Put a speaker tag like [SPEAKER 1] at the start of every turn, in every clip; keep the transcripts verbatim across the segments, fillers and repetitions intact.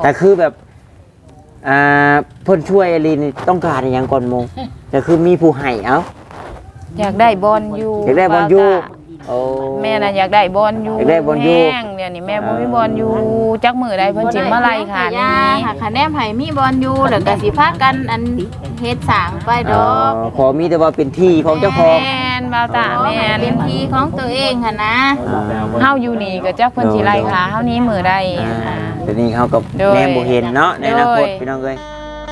[SPEAKER 1] แต่คือแบบอ่าเพิ่นช่วยอลีนี่ต้องการอย่างก่อนโมแต่คือมีผู้ให้เอ้า
[SPEAKER 2] อยากได้บอลอยู่
[SPEAKER 1] อยากได้บอลอยู่โอ้
[SPEAKER 2] แม่น่ะอยากได้บอลอยู่
[SPEAKER 1] อยากได้บอลอยู่
[SPEAKER 2] แห้งเดี๋ยวนี้แม่บ่มีบอลอยู่จักมื้อใดเพิ่นสิมาไล่ค่ะนี่
[SPEAKER 3] หาคะแนนไผมีบอลอยู่แล้วก็สิพากันอันเฮ็ดสร้างไปดอก
[SPEAKER 1] ขอมีแต่ว่าเป็นที่ของเจ้าของ
[SPEAKER 2] แม่นบ่าวตาแม่น
[SPEAKER 3] เป็นที่ของตัวเองหั่นนะ
[SPEAKER 2] เฮาอยู่นี่ก็จักเพิ่นสิไล่ค่ะเฮานี้มื้อใด
[SPEAKER 1] อ่าเดี๋ยวนี้เขากับ
[SPEAKER 2] โดย
[SPEAKER 1] แนมบ่เห็นเนาะในอนาคต
[SPEAKER 2] โดย
[SPEAKER 1] พี่น้องเอ้ย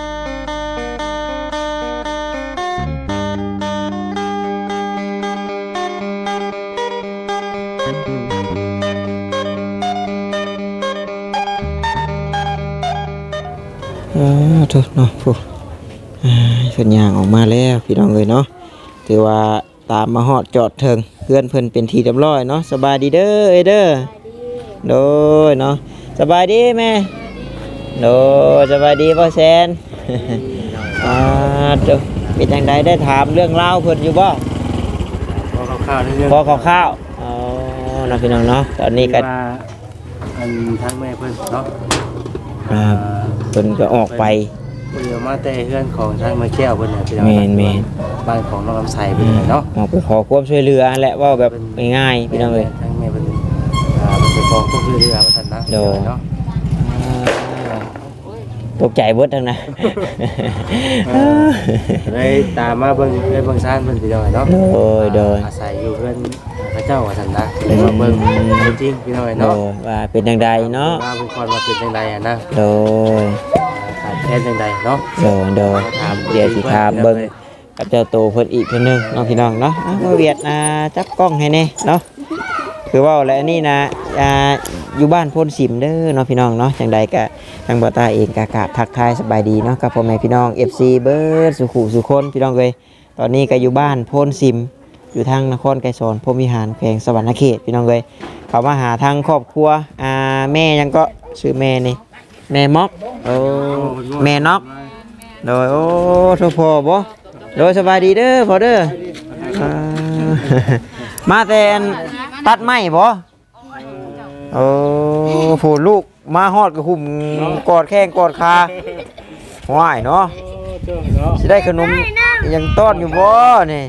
[SPEAKER 1] อ่าถูกเนาะผู้อ่าเพิ่นย่างออกมาแล้วพี่น้องเอ้ยเนาะถือว่าตามมาฮอดจอดเทิงเพื่อนเพิ่นเป็นที่เรียบร้อยเนาะสบายดีเด้อเอ้ยเด้อโดยเนาะสบายดีแม่โดยสบายดีพ่อแซน อ่าเจ้าเป็นจังไดได้ถามเรื่องราวเพิ่นอยู่บ่
[SPEAKER 4] พอข้าวๆเรื่อง
[SPEAKER 1] พอคร่าวๆอ๋อเนาะพี่น้องเนาะตอนนี้ก็
[SPEAKER 4] ว่าอันทั้งแม่เพิ่นเนาะ
[SPEAKER 1] อ่าเพิ่นก็ออกไป
[SPEAKER 4] เพิ่นเอามาแต่เพื่อนของทางแม่แก้วเพิ่นน่ะพี่น้อง
[SPEAKER 1] แม่นแม่น
[SPEAKER 4] บ้านของน้องลำไส้เพิ่นน่ะเนาะ
[SPEAKER 1] ออกไปขอความช่วยเหลือแหละว่าแบบง่ายๆพี่น้องเอ้ย
[SPEAKER 4] ทางแม่เพิ่นอ่าเพิ่นไปขอความช่วยเหลือว่าซั่นนะ
[SPEAKER 1] โดย
[SPEAKER 4] เนาะ
[SPEAKER 1] ตกใจเบิดทั้งนั้น
[SPEAKER 4] เลยตามมาเบิ่งได้เบิ่งซ่านเพิ่นพี่น้องเนาะ
[SPEAKER 1] โดยโดย
[SPEAKER 4] อาศัยอยู่เพิ่นพระเจ้าว่าซั่นนะเลยมาเบิ่งจริงๆพี่น้อง
[SPEAKER 1] โด
[SPEAKER 4] เนาะ
[SPEAKER 1] ยว่าเป็นจังใดเนาะ
[SPEAKER 4] ว่าเพิ่นก่อนว่าเป็นจังไดอ่ะนะ
[SPEAKER 1] โดย
[SPEAKER 4] ขาดแคลนจังไดเนาะ
[SPEAKER 1] โดยโดยเดี๋ยวสิถามเบิ่งกับเจ้าโตเพิ่นอีกเพิ่นนึงเนาะพี่น้องเนาะอ่ะบ่เวียดอ่าจับกล้องให้แน่เนาะคือว่าแล้วอันนี้นะอ่าอยู่บ้านโพนสิมเด้อเนาะพี่น้องเนาะจังใดก็ทางบ่ตาเองก็กราบทักทายสบายดีเนาะกับพ่อแม่พี่น้อง เอฟ ซี เบิดสุขุสุคนพี่น้องเอ้ยตอนนี้ก็อยู่บ้านโพนสิมอยู่ทางนครไกรสอนพรหมวิหารแขวงสวรรณเขตพี่น้องเอ้ยเขามาหาทางครอบครัวอ่าแม่ยังก็ชื่อแม่นี่แม่ม็อกโอ้แม่น็อกโดยโอ้โทษพ่อบ่โดยสบายดีเด้อพ่อเด้ออ่า มาแต่อันตัดไม้บ่โอ้ผู้ลูกมาฮอดก็หุ่มกอดแข้งกอดขาว้ายเนาะสิได้ขนมยังต้อนอยู่บ่นี่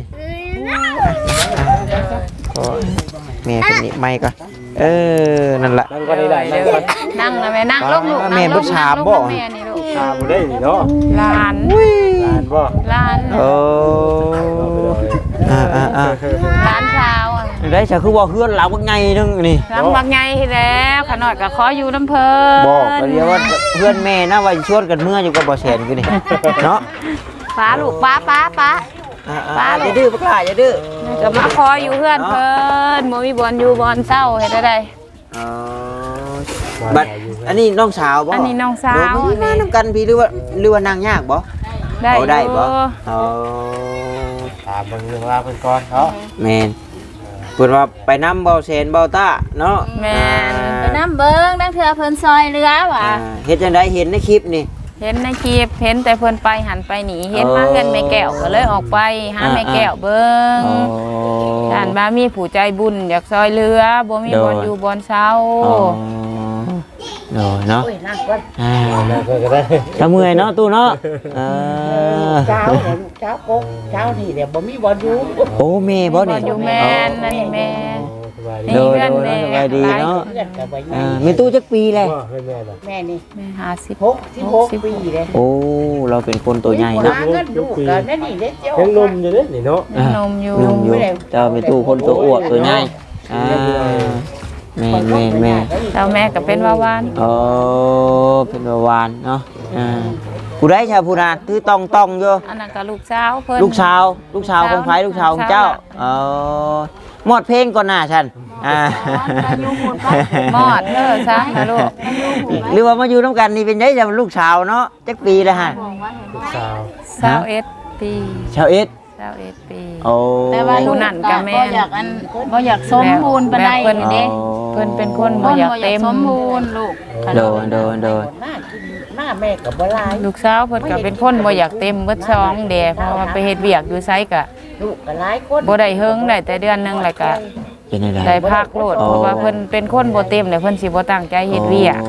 [SPEAKER 1] ก็แม่เป็นนี่ไม้ก็เออนั่นล่ะ
[SPEAKER 4] นั่งก็ได้ได้นั่งก็
[SPEAKER 2] นั่งนะแม่นั่งลงลูก
[SPEAKER 1] แม่บ่ถามบ่
[SPEAKER 2] แม่นี่ลูก
[SPEAKER 4] ตาบ่ได้นี่เนาะ
[SPEAKER 2] หลาน
[SPEAKER 4] หลานบ่
[SPEAKER 2] หลาน
[SPEAKER 1] โอ้อ่าอ่าอ่า
[SPEAKER 2] หลานสาวอ่ะ
[SPEAKER 1] ได้จะคือว่าเฮือนหลังว่าไงนึงนี่
[SPEAKER 2] หลังบักใหญ่แล้วขนาดก็ขออยู่น้ำเพิ่น
[SPEAKER 1] บอกก็เรียกว่าเพื่อนแม่นะว่าชวนกันเมื่ออยู่กับบ่แสนคือนี่เนาะ
[SPEAKER 2] ป้าลูกป้าป้าป้า
[SPEAKER 1] อ่าๆอย่าดื้อพวกหลานอย่าดื้อ
[SPEAKER 2] ก็มาขออยู่เพื่อนเพิ่นบ่มีบอลอยู่บอลเศร้าเฮ็ดได้ได
[SPEAKER 1] อ๋อบัดอันนี้น้องสาวบ่
[SPEAKER 2] อันนี้น้องสาว
[SPEAKER 1] โดยบ่มีน้ำกันพี่หรือว่าหรือว่านางยากบ่
[SPEAKER 2] ได้
[SPEAKER 1] เอาได้บ่
[SPEAKER 2] อยู่
[SPEAKER 1] อ๋อ
[SPEAKER 4] ถามเบิ่งเรื่องราวเพิ่นก่อนเนาะ
[SPEAKER 1] แม่นเพิ่นว่าไปนำเบาแสนเบาตาเนาะ
[SPEAKER 2] แม่น
[SPEAKER 3] ไปน้ำเบิ่งนั่งเถื่อเพิ่นซอยเรือว่ะ
[SPEAKER 1] อ่าเฮ็ดจังไดเห็นในคลิปนี่
[SPEAKER 2] เห็นในคลิปเห็นแต่เพิ่นไปหันไปหนีเห็นมาเงินแม่แก้วก็เลยออกไปหาแม่แก้วเบิ่ง
[SPEAKER 1] อ๋อ
[SPEAKER 2] ท่านบ่ามีผู้ใจบุญอยากซอยเรือบ่มี
[SPEAKER 1] โดย
[SPEAKER 2] บอลอยู่บอลเศร้า
[SPEAKER 1] อ๋อโดยเนาะอ่า
[SPEAKER 4] นั่งก็ได้
[SPEAKER 1] ถ้าเมื่อยเนาะตู้เนาะเออ
[SPEAKER 5] เช้าเนี่ยเช้าปุ๊บเช้านี่เนี่ยบ่มีบอลอยู่
[SPEAKER 1] โอ้แม่บ่
[SPEAKER 2] บอ
[SPEAKER 1] นี่
[SPEAKER 2] ลอยู่แม่นนั่นแม่
[SPEAKER 4] สบายดี
[SPEAKER 1] โดย
[SPEAKER 2] เพื่อน
[SPEAKER 1] โดย
[SPEAKER 2] แม่
[SPEAKER 1] สบายดีเนาะ
[SPEAKER 5] เพื่อนกับไป
[SPEAKER 1] อ่ามีตู้จักปีเลย
[SPEAKER 4] บ่เพิ่นแม่น่ะ
[SPEAKER 5] แม่นี่
[SPEAKER 2] แม่ห้าสิบ
[SPEAKER 5] หกสิบหกปีเลย
[SPEAKER 1] โอ้เราเป็นคนตัวใหญ่เนาะ
[SPEAKER 5] หาเงินลูกกันนั่นนี่เด้เจ้า
[SPEAKER 4] ยังหนมอยู่เด้นี่เนาะ
[SPEAKER 1] อ่ะ
[SPEAKER 2] นมอยู่
[SPEAKER 1] นุ่มอยู่เจ้าเป็นตู้คนตัวอ้วกตัวใหญ่อ่าแม่แม่แม่
[SPEAKER 2] แล้วแม่ก็เป็นวาวาน
[SPEAKER 1] โอ้เป็นประวานเนาะอ่าผู้ใดชาวผู้นาคือต้องต้องอยู่
[SPEAKER 2] อันนั้นก็ลูกสาวเพิ่น
[SPEAKER 1] ลูกชาวลูกชาวของไผลูกชาวของเจ้าเออหมดเพลงก่อนหน้าฉันอ่า
[SPEAKER 2] หมอดเด้อซะนะลูก
[SPEAKER 1] หรือว่ามาอยู่น้ำกันนี่เป็นไงจะเป็นลูกสาวเนาะจักปีแล้วฮะ
[SPEAKER 4] ลูกสาว
[SPEAKER 2] สาวเอ็ดปี
[SPEAKER 1] ชาวเอ็ด
[SPEAKER 2] สาวเอ็ดปี
[SPEAKER 1] โอ้
[SPEAKER 3] แต่ว่าลูก
[SPEAKER 2] นั่นก็แม่
[SPEAKER 3] บ่อยากอันบ่อยากสมบูรณ์ปานใด
[SPEAKER 2] แบบเพิ่น
[SPEAKER 3] นี่เด้
[SPEAKER 2] เพิ่นเป็นคนบ่
[SPEAKER 3] บ่
[SPEAKER 2] อยาก
[SPEAKER 3] อยา
[SPEAKER 2] เต็
[SPEAKER 3] ก
[SPEAKER 2] ม
[SPEAKER 3] สมบูรณ์ลูก
[SPEAKER 1] โดนโดนโดน
[SPEAKER 5] หน้ากินหน้าแม่กับบ่ลาย
[SPEAKER 2] ลูกสาวเพิ่นก็เป็นคนบ่อยากเต็มเบิดซองแดเพราะว่าไปเฮ็ดเวียกอยู่ไสก็
[SPEAKER 5] ลูกกับหลายคน
[SPEAKER 2] บ่ได้เฮิงได้แต่เดือนหนึงแล้วก็
[SPEAKER 1] เป็นอะไร
[SPEAKER 2] ได้พักโลดเพราะว่าเพิ่นเป็นคนบ่เต็มแล้วเพิ่นสิบ่ตั้งใจเฮ็ดเวียก
[SPEAKER 1] โอ้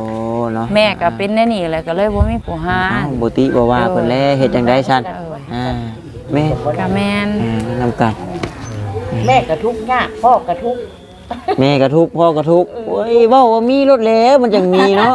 [SPEAKER 1] เนาะ
[SPEAKER 2] แม่ก็เป็นแน่นี่แหละก็เลยบ่มีผู้หา
[SPEAKER 1] อ้าวบ่ติบ่ว่าเพิ่นแลเฮ็ดจังได๋ซั่นอ่าแม่
[SPEAKER 2] ก็แม่น
[SPEAKER 1] อ่านำกัน
[SPEAKER 5] แม่ก็ทุกข์ยากพ่อก็ทุกข์
[SPEAKER 1] แม่ก็ทุกข์พ่อก็ทุกข์โอ้ยเว้าว่ามีรถแล้วมันจังมีเนาะ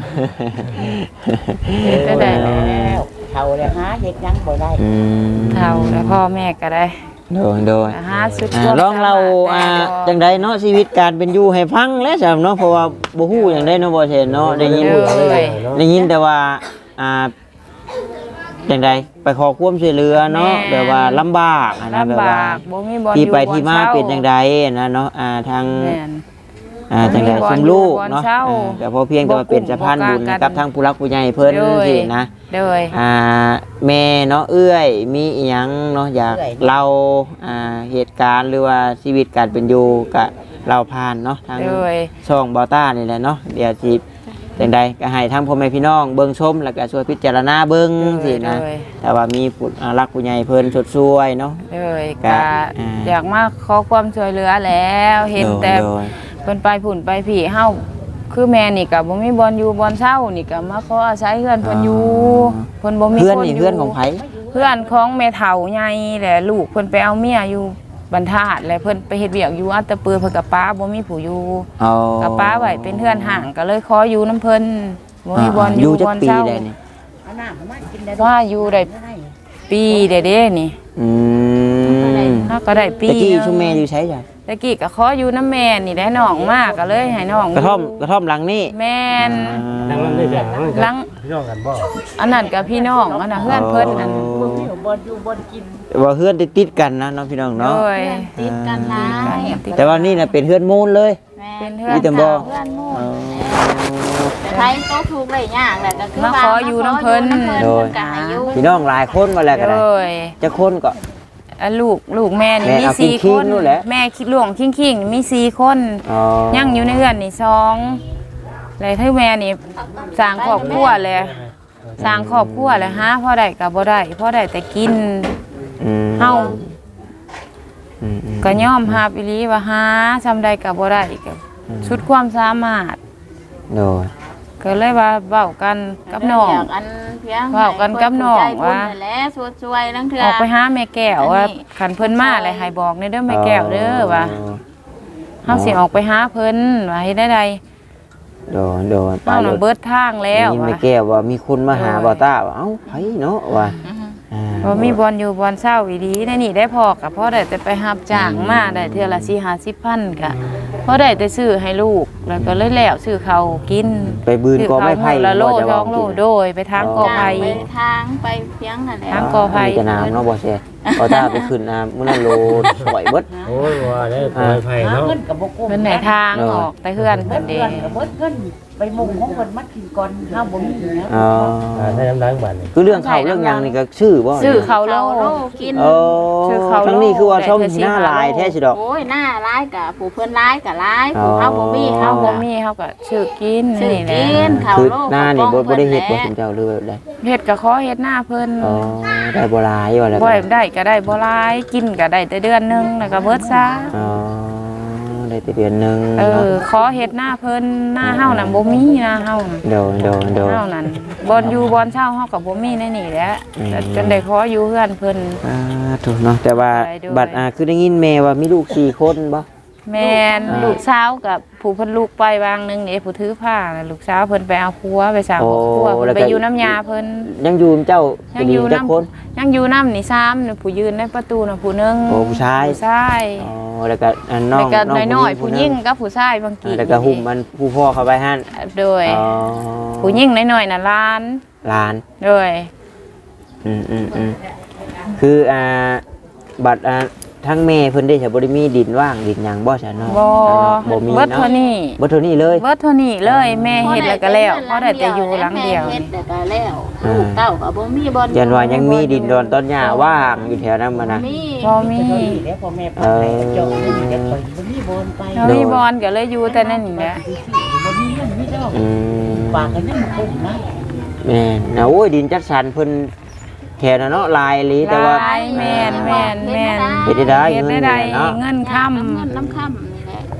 [SPEAKER 2] ก็ได้
[SPEAKER 5] แล้วเฒ่าแล้วหาเฮ็ดหยังบ่ได้
[SPEAKER 1] อืม
[SPEAKER 2] เฒ่าแล้วพ่อแม่ก็ได้
[SPEAKER 1] โดยโดย
[SPEAKER 2] หาสุด
[SPEAKER 1] อ่าลองเราอ่าจังไดเนาะชีวิตการเป็นอยู่ให้ฟังแล้วจ้ะเนาะเพราะว่าบ่ฮู้จังไดเนาะบ่เห็นเนาะได้ยิน
[SPEAKER 2] เลย
[SPEAKER 1] ได้ยินแต่ว่าอ่าจังไดไปขอความช่วยเหลือเนาะแบบว่าลำบากอะนะแบบ
[SPEAKER 2] ลำบา
[SPEAKER 1] ว่าก
[SPEAKER 2] บ่มีบ่อน
[SPEAKER 1] ที่
[SPEAKER 2] อยู่
[SPEAKER 1] ไปที่มา
[SPEAKER 2] บ่อ
[SPEAKER 1] เป็นจังไดนะเนาะอ่าทาง
[SPEAKER 2] แม่น
[SPEAKER 1] อ่าจังได
[SPEAKER 2] บ่มีบ่อน
[SPEAKER 1] ซุมลูก
[SPEAKER 2] อยู่บ่อน
[SPEAKER 1] เนาะ
[SPEAKER 2] เช่า
[SPEAKER 1] อ่าแต่พอเพียงแต่ว่าเป็นสะพานบุญ
[SPEAKER 2] บ่กล้ากัน
[SPEAKER 1] กับทางผู้รักผู้ใหญ่เพิ่น
[SPEAKER 2] โดย
[SPEAKER 1] สินะ
[SPEAKER 2] โดย
[SPEAKER 1] อ่าแม่เนาะเอื้อยมีอีหยังเนาะอยากเล่าอ่าเหตุการณ์หรือว่าชีวิตการเป็นอยู่กับเราผ่านเนาะทาง
[SPEAKER 2] โดย
[SPEAKER 1] ช่องบอต้านี่แหละเนาะเดี๋ยวสิจังใดก็ให้ทั้งพ่อแม่พี่น้องเบิ่งชมแล้วก็ช่วยพิจารณาเบิ่งสินะ
[SPEAKER 2] โดย
[SPEAKER 1] แต่ว่ามีผู้อ่ารักผู้ใหญ่เพิ่นสดช่วยเนาะ
[SPEAKER 2] โดย
[SPEAKER 1] ก็
[SPEAKER 2] ก็
[SPEAKER 1] อ่า
[SPEAKER 2] อยากมาขอความช่วยเหลือแล้วเห็นแต่
[SPEAKER 1] โดย
[SPEAKER 2] เพิ่นไปผุ่นไปผีเฮาคือแม่นี่ก็บ่มีบอลอยู่บอลเช่านี่ก็มาขออาศัยเพื่อนเพิ่นอยู่เพิ่นบ่มี
[SPEAKER 1] เพื่อน
[SPEAKER 2] คน
[SPEAKER 1] นี่
[SPEAKER 2] ยู่
[SPEAKER 1] เพื่อนของไผ
[SPEAKER 2] เพื่อนของแม่เฒ่าใหญ่แหละลูกเพิ่นไปเอาเมียอยู่บรรทัดแล้วเพิ่นไปเฮ็ดเวียกอยู่อัตตปือเพิ่นกับป้าบ่มีผู้อยู่
[SPEAKER 1] เอา
[SPEAKER 2] กับป้าไว้เป็นเพื่อนห่างก็เลยขออยู่น้ำเพิ่นบ่มีบอลอ
[SPEAKER 1] อยู่ ยู่จั
[SPEAKER 2] บ
[SPEAKER 1] ก
[SPEAKER 2] อล
[SPEAKER 1] ปี
[SPEAKER 2] เช่า
[SPEAKER 1] ได้นี่
[SPEAKER 5] เอาน้ำมากินได้
[SPEAKER 2] ว่าอยู่ได้ปีเด้เด้นี่
[SPEAKER 1] อืม
[SPEAKER 2] เฮาก็ได้ปี
[SPEAKER 1] ตะกี้
[SPEAKER 2] หนึ่ง
[SPEAKER 1] ชุมแม่อยู่ใช้จ้ะ
[SPEAKER 2] ตะกี้ก็ขออยู่น้ำแม่นี่ได้น้องมากก็เลยให้น้อง
[SPEAKER 1] กระท่อมกระท่อมหลังนี่
[SPEAKER 2] แม่น
[SPEAKER 4] นั่งนั่นได้จ้ะ
[SPEAKER 2] หลัง
[SPEAKER 4] พี่น้องกันบ่
[SPEAKER 2] อันนั้นกับพี่น้องอันนั้นเพื่อนเพิ่นนั่น
[SPEAKER 5] บ่มีบ่อนอยู่บ่อนกิน
[SPEAKER 1] ว่าเพื่อนติดๆกันนะเน้องพี่น้อง
[SPEAKER 2] โด
[SPEAKER 1] เนาะ
[SPEAKER 2] ย
[SPEAKER 3] ติดกันหลาย
[SPEAKER 1] แต่ว่านี่น่ะเป็นเพื่อนมูลเลย
[SPEAKER 3] แม่
[SPEAKER 2] เป็นเพื่อน
[SPEAKER 1] มีแต่บ่
[SPEAKER 3] เพื่อนหมู่
[SPEAKER 1] อ๋อ
[SPEAKER 3] แต่ไผก็ถูกได้ยากแหละก็คือ
[SPEAKER 2] มาขออยู่น้ำเพิ่น
[SPEAKER 1] โดย
[SPEAKER 3] ก็ให้อยู่
[SPEAKER 1] พี่น้องหลายคนมาแล้วก็
[SPEAKER 2] โด
[SPEAKER 1] ได้
[SPEAKER 2] ย
[SPEAKER 1] จะคนก็
[SPEAKER 2] อ่ะลูกลูกแม่นี่
[SPEAKER 1] แม่
[SPEAKER 2] มี
[SPEAKER 1] เอา
[SPEAKER 2] สี่
[SPEAKER 1] คิ
[SPEAKER 2] ค
[SPEAKER 1] ง
[SPEAKER 2] น
[SPEAKER 1] ๆนู่นแหละ
[SPEAKER 2] แม่คิดหลวงคิงคิงมีสี่คน
[SPEAKER 1] อ๋อ
[SPEAKER 2] ยังอยู่ในเรือนนี่สองเลยที่แม่นี่สร้างครอบครัวเลยสร้างครอบครัวเลยฮะพ่อได้กับบ่ได้พ่อได้แต่กิน
[SPEAKER 1] อืม
[SPEAKER 2] เฮา
[SPEAKER 1] อืมอืม
[SPEAKER 2] ก็ย่อมหาอีหลีว่าหาทำได้กับบ่ได้ก็ชุดความสามารถ
[SPEAKER 1] โดย
[SPEAKER 2] ก็เลยว่าเว้ากันกับน้อง
[SPEAKER 3] อยากอันเพียง
[SPEAKER 2] เว้ากันกับน้องว่า
[SPEAKER 3] ให้คนผู้ใจบุญนั่นแหละช่วยๆนั่งเถื่อ
[SPEAKER 2] ออกไปหาแม่แก้วว่า
[SPEAKER 3] อันนี้
[SPEAKER 2] ขันเพิ่นมาอะไรให้บอกในเด้อแม่แก้วเด้อว่าเฮาสิออกไปหาเพิ่นว่าเฮ็ดได้ใด
[SPEAKER 1] โดยโดย
[SPEAKER 2] เฮาน่ะเบิดทางแล้ว
[SPEAKER 1] นี่ไม่
[SPEAKER 2] ว่า
[SPEAKER 1] แก้วว่ามีคนมาหาบ่าวต้าว่าเอ้าไผเนาะว่าอ่า
[SPEAKER 2] บ่มีบอลอยู่บอลเช้าอีหลีในนี่ได้พอกับพ่อได้แต่ไปรับจ้างมาได้เทื่อละสี่ ห้าสิบพันก็พอได้แต่ซื้อให้ลูกแล้วก็เลยแล้วซื้อข้าวกิน
[SPEAKER 1] ไปบืนก็ไม่ไผ่
[SPEAKER 2] ซื้อข้าวมื้อละโล
[SPEAKER 1] บ่จะ
[SPEAKER 2] ส
[SPEAKER 1] ว่า
[SPEAKER 2] องโล
[SPEAKER 1] กิน
[SPEAKER 2] โดยไปทางกอไผ่
[SPEAKER 3] ไปทางไปเพียงนั่นแหละ
[SPEAKER 2] ทางกอไผ่
[SPEAKER 1] มีแต่น้ำเนาะบ่เสียบ่าวต้าไปขึ้นน้ำมื้อนั้นโลสวยเบิด
[SPEAKER 4] โอ้ยว่าได้ปล่อยไผ่
[SPEAKER 5] หา
[SPEAKER 4] เนาะ
[SPEAKER 5] เงินก็บ่กุ้ม
[SPEAKER 2] เพิ่นไหนทางออกแต่เฮือน
[SPEAKER 5] เบิ
[SPEAKER 2] เพิ่
[SPEAKER 5] ด
[SPEAKER 2] นเด้
[SPEAKER 5] เงินก็เบิดเงินไปมุงของเพิ่นมากินก่อนเฮาบ่มีนะ
[SPEAKER 1] อ๋อ
[SPEAKER 4] อ่าถ้าน้ำล้างบ้านนี่
[SPEAKER 1] คือเรื่องเขาเรื่องหยังนี่ก็ชื่อบ่
[SPEAKER 2] ซื้อข้าวโล
[SPEAKER 3] เขาโลกิน
[SPEAKER 1] เออ
[SPEAKER 2] ชื่อเขา
[SPEAKER 1] ทั้งนี้คือว่าส้ม
[SPEAKER 2] ได้แต่
[SPEAKER 1] หน้า
[SPEAKER 2] สี่
[SPEAKER 1] ลาย
[SPEAKER 2] ห้าโล
[SPEAKER 1] แท้สิดอก
[SPEAKER 3] โอ้ยหน้าร้ายกับผู้เพิ่นร้ายกับร้าย
[SPEAKER 1] อ๋อ
[SPEAKER 3] ผู้เฮาบ่มี
[SPEAKER 2] เฮา
[SPEAKER 3] เฮา
[SPEAKER 2] บ่
[SPEAKER 3] บ่มี
[SPEAKER 2] มีเฮาก็ซื้อกิน
[SPEAKER 3] ซื้อ
[SPEAKER 2] นี่แหละ
[SPEAKER 3] กินเขา
[SPEAKER 1] คือ
[SPEAKER 3] โล
[SPEAKER 1] หน้านี่บ่บ่ได้เฮ็ดบ่
[SPEAKER 3] พิ่
[SPEAKER 1] ถึงเจ้าหรือแบบใด
[SPEAKER 2] เฮ็ดก็ขอเฮ็ดหน้าเพิ่น
[SPEAKER 1] อ๋อได้บ่หลายว่าแล้ว
[SPEAKER 2] บ่
[SPEAKER 1] กัน
[SPEAKER 2] ได้ก็ได้บ่หลายกินก็ได้แต่เดือนหนึงแล้วก็เบิดซะ
[SPEAKER 1] อ๋อได้แต่เดือนหนึง
[SPEAKER 2] เอ
[SPEAKER 1] เนาะ
[SPEAKER 2] อขอเฮ็ดหน้าเพิ่นหน้าเฮานั่นบ่มีหน้าเฮาน่ะ
[SPEAKER 1] โดนโดนโดน
[SPEAKER 2] เฮานั่นบ่อนอยู่บ่อนเช่าเฮาก็บ่มีในนี่แหละ
[SPEAKER 1] อืม
[SPEAKER 2] แต่จนได้ขออยู่เฮือนเพิ่น
[SPEAKER 1] อ่าถูกเนาะแต่ว่า
[SPEAKER 2] ได้ด้วย
[SPEAKER 1] บัตรอ่าคือได้ยินแม่ว่ามีลูกสี่คนบ่
[SPEAKER 2] แม่น
[SPEAKER 1] อ่า
[SPEAKER 2] ลูกสาวกับผู้เพิ่นลูกไปวางหนึงนี่ผู้ถือผ้าน่ะลูกสาวเพิ่นไปเอาผัวไปสร้างครอบครัวเพิ่นไปอยู่น้ำยาเพิ่น
[SPEAKER 1] ยังอยู่เจ้า
[SPEAKER 2] ยังอยู่
[SPEAKER 1] จัก
[SPEAKER 2] น้ำ
[SPEAKER 1] คน
[SPEAKER 2] ยังอยู่น้ำนี่ซ้ำนี่ผู้ยืนในประตูน่ะผู้หนึง
[SPEAKER 1] โอ้ผู้ชาย
[SPEAKER 2] ผู้ชาย
[SPEAKER 1] อ๋อแล้วก็อันน้อ
[SPEAKER 2] แล้ว
[SPEAKER 1] ง
[SPEAKER 2] ก็
[SPEAKER 1] น้อง
[SPEAKER 2] น้อยๆผู้หญิง
[SPEAKER 1] หนึ่
[SPEAKER 2] กับผู้ชายบางกี
[SPEAKER 1] อ่าแล้วก็หุ่มมันผู้พ่อเข้าไปหั่น
[SPEAKER 2] โดย
[SPEAKER 1] อ๋อ
[SPEAKER 2] ผู้หญิงน้อยๆน่ะล้าน
[SPEAKER 1] หลาน
[SPEAKER 2] โดย
[SPEAKER 1] อืมอืมอืมคืออ่าบัตรอ่าทั้งแม่เพิ่นได้ใช้บ่ได้มีดินว่างดินหยังบ่ใช่เนาะ
[SPEAKER 2] บ่
[SPEAKER 1] บ่มี
[SPEAKER 2] เบิด
[SPEAKER 1] เนาะ
[SPEAKER 2] เท่านี้
[SPEAKER 1] บ่เท่านี้เลย
[SPEAKER 2] เบิดเท่านี้เลยแม่เฮ็ดแล้วก็แล้วเพราะได้แต่อยู่หลังเดียว
[SPEAKER 3] แม่เฮ็
[SPEAKER 2] นี่
[SPEAKER 3] ดแล้วก็แล้ว
[SPEAKER 1] อ่า
[SPEAKER 3] ลูกเต้าก็บ่มีบ่อน
[SPEAKER 1] ยันว่ายังมีดินดอนต้นหญ้าว่างอยู่แถวนั้นมานะ
[SPEAKER 3] มี
[SPEAKER 2] บ่มี
[SPEAKER 5] เดี๋ยวพ่อแม่ไปไหนก็เจาะเลยเดี๋ยวไปบ่มีบอนไป
[SPEAKER 2] เรามีบอลก็เลยอยู่แต่นั่นนี่แหละ
[SPEAKER 5] บ่มีเงินมีดอก
[SPEAKER 1] อืม
[SPEAKER 5] ปากกันยังบ่คุ้มนะ
[SPEAKER 1] แม่นนะโอ้ยดินจัดสรรเพิ่นแถวนั้นเนาะลายอีหลีแต่ว่า
[SPEAKER 2] ลายแม่นแม่นแม่น
[SPEAKER 1] เฮ็ดได้
[SPEAKER 2] เฮ็ด
[SPEAKER 1] เงิน
[SPEAKER 2] ได้
[SPEAKER 1] เนี่ยเนาะ
[SPEAKER 2] เงิน
[SPEAKER 3] ค่ำ
[SPEAKER 2] ค่ำ
[SPEAKER 3] เงินน้ำค่ำนี่แหละ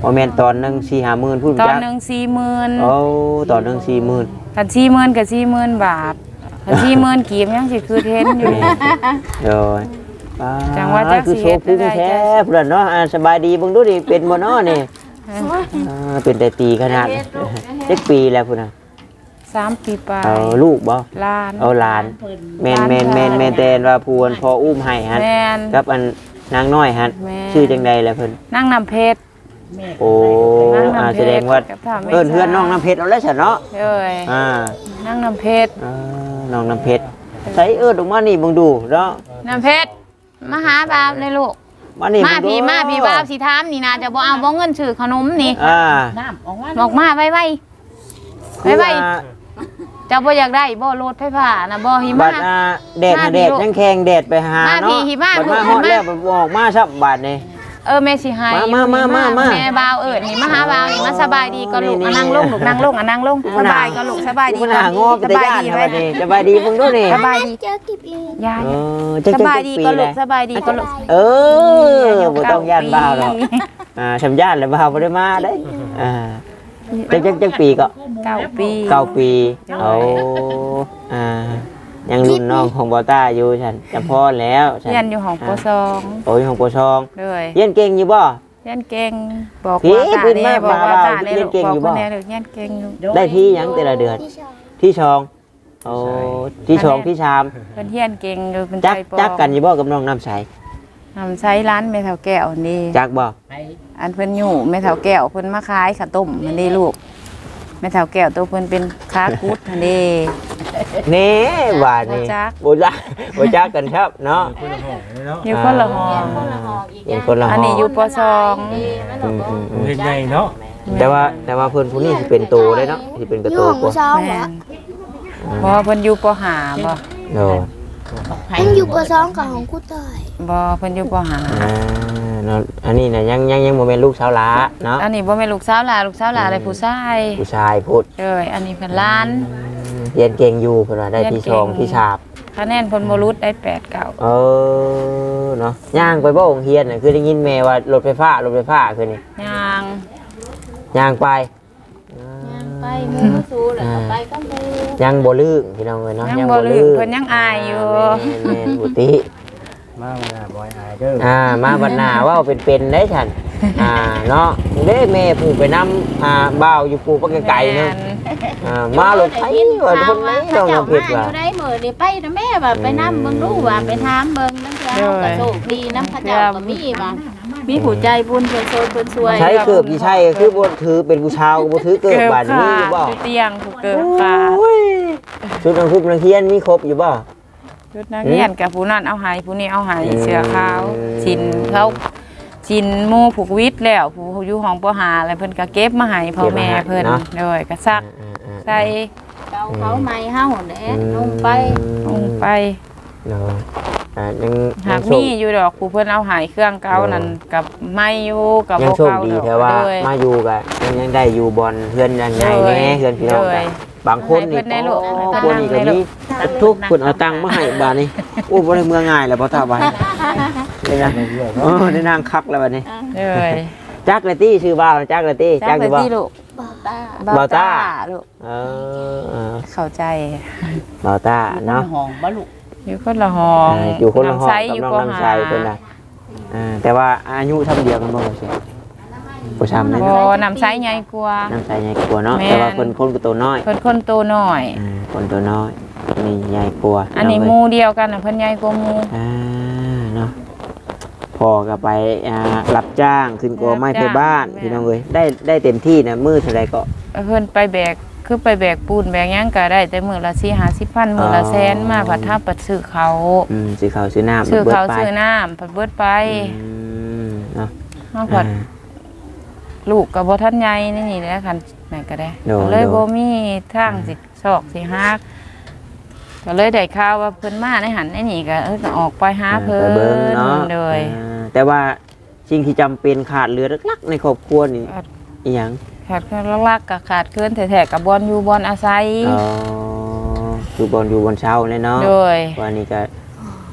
[SPEAKER 1] บ่แม่นตอนหนึง สี่ห้าหมื่นพูด
[SPEAKER 2] ตอน
[SPEAKER 1] จัก
[SPEAKER 2] หนึงสี่หมื่น
[SPEAKER 1] โอ้ตอนหนึง สี่หมื่น
[SPEAKER 2] คันสี่หมื่นก็สี่หมื่นบาทคันสี่หมื่นกีบยังสิคือเทนอยู่
[SPEAKER 1] โดย
[SPEAKER 2] จังว่าจัก
[SPEAKER 1] คือ
[SPEAKER 2] สิ
[SPEAKER 1] โช
[SPEAKER 2] เฮ็ด
[SPEAKER 1] ว์พุ่ง
[SPEAKER 2] ได้
[SPEAKER 1] แท้
[SPEAKER 2] จัก
[SPEAKER 1] เพิ่นเนาะอ่าสบายดีเบิ่งดูดิเป็นบ่เนาะนี่อ่าเป็นแต่ตีขนาดเจ็ดปีแล้วพุ่นน่ะ
[SPEAKER 2] สามปีปลาย
[SPEAKER 1] เอาลูกบ่
[SPEAKER 2] ล้าน
[SPEAKER 1] เอาหลานแม่นแม่นแม่นแม่นแต่ว่าผู้อันพออุ้มให้หั่น
[SPEAKER 2] แม่น
[SPEAKER 1] กับอันนางน้อยหั่น
[SPEAKER 2] แม่น
[SPEAKER 1] ชื่อจังใดล่ะเพิ่น
[SPEAKER 2] นั่งนำเพชร
[SPEAKER 1] โอ้
[SPEAKER 2] นางน้ำเพชร
[SPEAKER 1] อ่าแสดงว่า
[SPEAKER 2] กับท่าแม่
[SPEAKER 1] เอิ้นเฮือนน้องน้ำเพชรเอาแล้วซั่นเนาะ
[SPEAKER 2] เอ้ย
[SPEAKER 1] อ่า
[SPEAKER 2] นั่งนำเพชร
[SPEAKER 1] อ่าน้องน้ำเพชรใส่เอิ้นออกมานี่เบิ่งดูเนาะ
[SPEAKER 2] น้ำเพชรมาหาบาวเลยลูก
[SPEAKER 1] มานี่
[SPEAKER 2] มา
[SPEAKER 1] เบิ่งดู
[SPEAKER 2] พี่มาพี่บาวสิถามนี่นะจะบ่เอาบ่เงินซื้อขนมนี่
[SPEAKER 1] อ่า
[SPEAKER 5] น้ำออกมา
[SPEAKER 2] บอกมาไว้ไว้
[SPEAKER 1] คือ
[SPEAKER 2] ไว้
[SPEAKER 1] ว่า
[SPEAKER 2] เจ้าบ่อยากได้บ่รถไฟฟ้านะบ่หิ
[SPEAKER 1] บั
[SPEAKER 2] มะ
[SPEAKER 1] ดอ่าแดด
[SPEAKER 2] มา
[SPEAKER 1] น่ะ
[SPEAKER 2] พี่
[SPEAKER 1] แดด
[SPEAKER 2] ลูก
[SPEAKER 1] ยังแข็งแดดไปหา
[SPEAKER 2] มา
[SPEAKER 1] เนาะ
[SPEAKER 2] พี่หิมะ
[SPEAKER 1] บัดมา
[SPEAKER 2] ลูก
[SPEAKER 1] ฮอด
[SPEAKER 2] หิมะ
[SPEAKER 1] แล้วบัดออกมาซับบาดนี่
[SPEAKER 2] เออแม่สิให้
[SPEAKER 1] มามามามา
[SPEAKER 2] แม่บาวเอิ้นนี่มาหาบาวนี่มาสบายดีก็ลูก
[SPEAKER 1] นี่
[SPEAKER 2] อ่ะนั่งลงลูกนั่งลงอ่ะนั่งลงสบายก็ลูกสบายดี
[SPEAKER 1] มันหางอไป
[SPEAKER 2] ส
[SPEAKER 1] แต่
[SPEAKER 2] บาย
[SPEAKER 1] ย่าน
[SPEAKER 2] ดี
[SPEAKER 1] นะ
[SPEAKER 2] ไว้
[SPEAKER 1] บัดนี้สบายดีเบิ่งดูนี่
[SPEAKER 2] สบายดี
[SPEAKER 3] เจอกิบอีก
[SPEAKER 2] ยาย
[SPEAKER 1] เออจัก
[SPEAKER 2] ส
[SPEAKER 1] จัก
[SPEAKER 2] บาย
[SPEAKER 1] จัก
[SPEAKER 2] ดี
[SPEAKER 1] ปี
[SPEAKER 2] ก็ลู
[SPEAKER 1] แล้
[SPEAKER 2] ก
[SPEAKER 1] ว
[SPEAKER 2] สบายดีก็ลูก
[SPEAKER 1] เออบ่ต้องย่านบ่าวหรอกอ่าชำย่านแล้วบ่าวบ่ได้มาเด้อ่าจักจักจักปีก็
[SPEAKER 2] เก้าปี
[SPEAKER 1] เก้าปีเอาอ่ายังรุ่นน้องของบอต้าอยู่ฉันจะพ่อแล้วฉั
[SPEAKER 2] เรียนอยู่ห้องปสอง
[SPEAKER 1] โอ้ยของปชอง
[SPEAKER 2] เลย
[SPEAKER 1] เรียนเก่งอยู่บ่
[SPEAKER 2] เรียนเก่งบอก
[SPEAKER 1] พี่
[SPEAKER 2] ว่าตา
[SPEAKER 1] เพิ่น
[SPEAKER 2] แน่
[SPEAKER 1] มา
[SPEAKER 2] บอกว่า
[SPEAKER 1] มา
[SPEAKER 2] ตาแน่
[SPEAKER 1] เรียนเก่ง
[SPEAKER 2] บอก
[SPEAKER 1] อยู่บ่
[SPEAKER 2] ว่าแน่เด็กเรียนเก่งอยู่
[SPEAKER 1] ได้ที่หยังแต่ละเดือน ที่ชองโอ้ที่ชองที่ชาม
[SPEAKER 2] เพิ่นเรียนเก่งอยู่เป็น
[SPEAKER 1] จัก
[SPEAKER 2] ใจปอ
[SPEAKER 1] จักกันอยู่บ่กับน้องน้ำใส
[SPEAKER 2] ทำใช้ร้านแม่เฒ่าแก้วนี่
[SPEAKER 1] จักบ่
[SPEAKER 5] ไป
[SPEAKER 2] อันเพิ่นอยู่แม่เฒ่าแก้วเพิ่นมาขายข้าวต้มนั่นนี่ลูกแม่เฒ่าแก้วตัวเพิ่นเป็นค้ากุดนั่นนี่
[SPEAKER 1] เน่ว่านี่
[SPEAKER 2] บ่จัก
[SPEAKER 1] บ่จักบ่จักกันครับเนาะ
[SPEAKER 2] อยู่คนละห้อง
[SPEAKER 3] คนละหอกอีก
[SPEAKER 1] เป็นคนละห้
[SPEAKER 2] อั
[SPEAKER 1] อน ง
[SPEAKER 2] นี้อยู่ปสอง
[SPEAKER 3] ดีมัน
[SPEAKER 1] อื
[SPEAKER 3] บอก
[SPEAKER 1] มอืมอืม
[SPEAKER 4] เฮ็ดใหญ่เนาะ
[SPEAKER 1] แต่ว่าแต่ว่าเพิ่นผู้นี้สิเป็นโตได้เนาะสิเป็นกระโตกว่า
[SPEAKER 2] แม่นบ่เพิ่นอยู่ปห้าบ่
[SPEAKER 1] โอ้
[SPEAKER 3] มันอยู่ปสองกับของกูต่อย
[SPEAKER 2] บ่เพิ่นอยู่ปห้า
[SPEAKER 1] อ่าเนาะอันนี้น่ะยังยังยังบ่แม่นลูกสาวหลาเนาะ
[SPEAKER 2] อันนี้บ่แม่นลูกสาวหลานลูกสาวหลานอะไรผู้ชาย
[SPEAKER 1] ผู้ชายพูด
[SPEAKER 2] เอ้ยอันนี้เพิ่นหล้าน
[SPEAKER 1] เรียนเก่งอยู่เพิ่นว่าได้
[SPEAKER 2] เรียน
[SPEAKER 1] ที่
[SPEAKER 2] เก่
[SPEAKER 1] ช
[SPEAKER 2] ง
[SPEAKER 1] องที่ชาบ
[SPEAKER 2] คะแนนเพิ่นบ่รุดได้แปดเก้า
[SPEAKER 1] เออเนาะย่างไปบ่โรงเรียนน่ะคือได้ยินแม่ว่ารถไฟฟ้ารถไฟฟ้าคือนี่
[SPEAKER 2] ย่าง
[SPEAKER 1] ย่างไป
[SPEAKER 3] ไปมูสูแล้วก็ไปก็มู
[SPEAKER 1] ยังบ่ลืมพี่น้องเอ้ยเนาะ
[SPEAKER 2] ยังบ่ลืมเพิ่นยังอายอยู่
[SPEAKER 1] แม่นๆบุติ
[SPEAKER 4] มาเวลาบ่อยอายเด้อ
[SPEAKER 1] อ่ามาบัดหน้าเว้าเป็นๆได้ฉันอ่าเนาะเด้แม่ผู้ไปนำอ่าบ่าวอยู่ปู่ปะไกลๆเนาะอ่ามารถไฟว่าคนไหนน้อง
[SPEAKER 3] เจ้า
[SPEAKER 1] น้ำเพ
[SPEAKER 3] มา
[SPEAKER 1] ชร
[SPEAKER 3] อ
[SPEAKER 1] ว่า
[SPEAKER 3] ยู่ได้มื้อนี่ไปนะแม่ว่าไปนำเบิ่งดูว่าไปถามเบิ่งนั่นเจ้าก็โชคดีนำพระเจ้าก็มีว่ามีผู้ใจบุญเพิ่นโซนเพิ่นช่วย
[SPEAKER 1] ใช้เกือบกี่ใช่คือบ่ถือเป็นผู้ชาวบ่ถือเกือบบาดนี้อยู่บ่
[SPEAKER 2] ชุดเตียงถูกเกิดขาด
[SPEAKER 1] โอ้ยชุดนักคุบนักเรียนมีครบอยู่บ่
[SPEAKER 2] ชุดนักเรียนกับผู้นั้นเอาใหายผู้นี้เอาใหาย
[SPEAKER 1] อืม
[SPEAKER 2] เสื้อขาวชินเขาชินหมู่ผูกวิทย์แล้วผู้อยู่ห้องปหาอะไรเพิ่นก็เก็บมาให้พ่อแม่เพิ่นโดยก็ซัก
[SPEAKER 1] อ่าๆๆ
[SPEAKER 2] ใส่
[SPEAKER 3] เจ้าเขาใหม่เฮาแหละลงไป
[SPEAKER 2] ลงไป
[SPEAKER 1] เนาะอ่ายัง
[SPEAKER 2] หาก
[SPEAKER 1] ยังโช
[SPEAKER 2] มี
[SPEAKER 1] ค
[SPEAKER 2] อยู่ดอกผู้เพิ่นเอาใหายเครื่องเก่านั่นกับไม่อยู่กับ
[SPEAKER 1] ยัง
[SPEAKER 2] บ่
[SPEAKER 1] โชค
[SPEAKER 2] เก่า
[SPEAKER 1] ดี
[SPEAKER 2] ดอก
[SPEAKER 1] แต่ว่า
[SPEAKER 2] โดย
[SPEAKER 1] มาอยู่ก็ยังยังได้อยู่บอลเพื่อนยังไง
[SPEAKER 2] โดย
[SPEAKER 1] แน่เพื่อนพี่น้อง
[SPEAKER 2] โด
[SPEAKER 1] กั
[SPEAKER 2] ย
[SPEAKER 1] นบางคนนี่
[SPEAKER 2] ให้เพิ่นได้ลูกให้
[SPEAKER 1] พ
[SPEAKER 2] เพิ่
[SPEAKER 1] วน กนี้ก็
[SPEAKER 2] นั่ง
[SPEAKER 1] มี
[SPEAKER 2] ได้ลูก
[SPEAKER 1] ทุกคนเอาตังค์มาให้บาดนี้โอ้บ่ได้เมืองง่ายแล้วบ่ตาบายได้นะเออได้นั่งคักแล้วบัดนี้
[SPEAKER 2] เลย
[SPEAKER 1] จักเลยตี้ชื่อบ้าวจักเลยตี้
[SPEAKER 2] จั
[SPEAKER 1] จั
[SPEAKER 2] ก
[SPEAKER 1] ก
[SPEAKER 2] เล
[SPEAKER 1] อย ยู่บ่
[SPEAKER 2] ที่ลูก
[SPEAKER 3] บ่ตา
[SPEAKER 1] บ่าวต้า
[SPEAKER 2] ลูก
[SPEAKER 1] เออเออ
[SPEAKER 2] เข้าใจ
[SPEAKER 1] บ่าวตาเนาะ
[SPEAKER 5] ห้องบ่ลูก
[SPEAKER 2] อยู่คนละห้อง
[SPEAKER 1] อ่าอยู่คนละห้อง
[SPEAKER 2] ำไซ
[SPEAKER 1] กับ
[SPEAKER 2] อยู่
[SPEAKER 1] น้อง
[SPEAKER 2] ป
[SPEAKER 1] น้ำ
[SPEAKER 2] หา
[SPEAKER 1] ใสเพิ่นน่ะอ่าแต่ว่าอายุทำเดียวกันบ่ใช่บ่ช้ำเลย
[SPEAKER 2] บ่น้ำไซใหญ่กว่า
[SPEAKER 1] น้ำใสใหญ่กว่าเนาะ
[SPEAKER 2] แม่น
[SPEAKER 1] แต่ว่าเพิ่นคนก็ตัวน้อย
[SPEAKER 2] เพิ่นคนโตหน่อย
[SPEAKER 1] อ่าคนตัวน้อยนี่ใหญ่กว่า
[SPEAKER 2] อันนี้ห
[SPEAKER 1] เาะ
[SPEAKER 2] มูเดียวกันน่ะเพิ่นใหญ่กว่าหมู
[SPEAKER 1] อ่าเนาะพอก็ไปอ่ารับจ้างขึ้นกอไม้ไปบ้านพี่น้องเอ้ยได้ได้เต็มที่นะมือเท่าไรก็
[SPEAKER 2] เพิ่นไปแบกคือไปแบกปูนแบกหยังก็ได้แต่มื้อละสี่ห้าสิบพันมื้อละแสนมาผัดทับปัดซื้อเขา
[SPEAKER 1] อืมซื้อข้าวซื้อน้ำ
[SPEAKER 2] ซื้อ
[SPEAKER 1] บิด
[SPEAKER 2] เขา
[SPEAKER 1] ไป
[SPEAKER 2] ซื้อน้ำผัดเบิดไป
[SPEAKER 1] อืมเนาะ
[SPEAKER 2] เฮาผัด
[SPEAKER 1] อ่า
[SPEAKER 2] ลูกก็บ่ทันใหญ่นี่นี่แหละคันแม่ก็ได้
[SPEAKER 1] โดน
[SPEAKER 2] ก็เลย
[SPEAKER 1] โดน
[SPEAKER 2] บ่มีทางสิซอกสิฮักก็เลยได้ข่าวว่าเพิ่นมาในหันในนี่ก็เออก็ออกไปหาเพิ่
[SPEAKER 1] ไป
[SPEAKER 2] น
[SPEAKER 1] เบิ่งเนาะ
[SPEAKER 2] โดย
[SPEAKER 1] อ่าแต่ว่าสิ่งที่จำเป็นขาดเหลือหลักๆในครอบครัวนี่
[SPEAKER 2] ขาด
[SPEAKER 1] อีหยัง
[SPEAKER 2] ขาดเครื่องลักๆก็ขาดเคลื่อนแท้ๆกับบอลอยู่บอลอาศัย
[SPEAKER 1] อ๋ออยู่บอนอยู่บนเช้าเลยเนาะ
[SPEAKER 2] โดย
[SPEAKER 1] วันนี้ก็